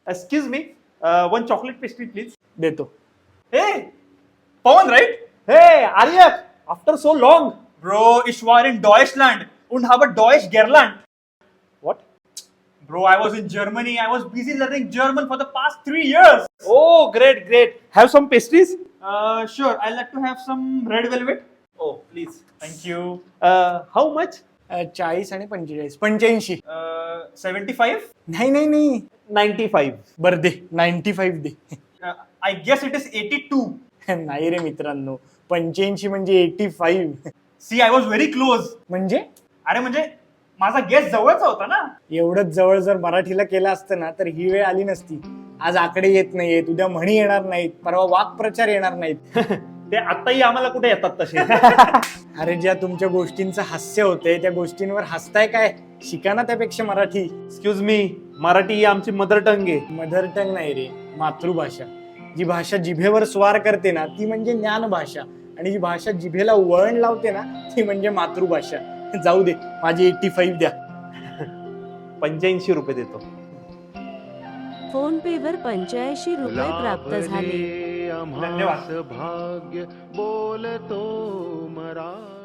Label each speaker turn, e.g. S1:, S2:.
S1: Excuse me, one chocolate pastry please.
S2: देतो.
S1: Hey, Pawan, right?
S3: Hey, Aryak, after so long.
S1: Bro, ich war in Deutschland und habe Deutsch gelernt.
S3: What?
S1: Bro, I was in Germany. I was busy learning German for the past 3 years.
S3: Oh, great, great. Have some pastries?
S1: Sure, I'd like to have some red velvet.
S3: Oh, please.
S1: Thank you.
S3: How much?
S2: 40 आणि 45 85.
S1: 75?
S2: नाही नाही नाही
S3: 95.
S2: बर दे 95 दे.
S1: I guess it is 82.
S2: नाही रे मित्रांनो 85 म्हणजे 85
S1: See, I was very close.
S2: म्हणजे
S1: अरे म्हणजे माझा गेस जवळचा होता ना.
S2: एवढंच जवळ जर मराठीला केलं असतं ना तर ही वेळ आली नसती. आज आकडे येत नाहीयेत, उद्या म्हणी येणार नाहीत, परवा वाक्प्रचार येणार नाहीत.
S3: ते आताही आम्हाला कुठे येतात तसे.
S2: अरे ज्या तुमच्या गोष्टींचं हास्य होतंय त्या गोष्टींवर हसताय काय? शिका ना त्यापेक्षा मराठी.
S3: एक्सक्यूज मी, मराठी ही आमची मदर टंग आहे.
S2: मदर टंग नाही रे, मातृभाषा. जी भाषा जिभेवर स्वार करते ना ती म्हणजे ज्ञान भाषा, आणि जी भाषा जिभेला वळण लावते ना ती म्हणजे मातृभाषा. जाऊ दे, माझी 85 द्या.
S3: 85 रुपये देतो.
S4: फोन पे वर 85 रुपये प्राप्त झाले.
S1: धन्यवाद.
S5: भाग्य बोलतो मराठी.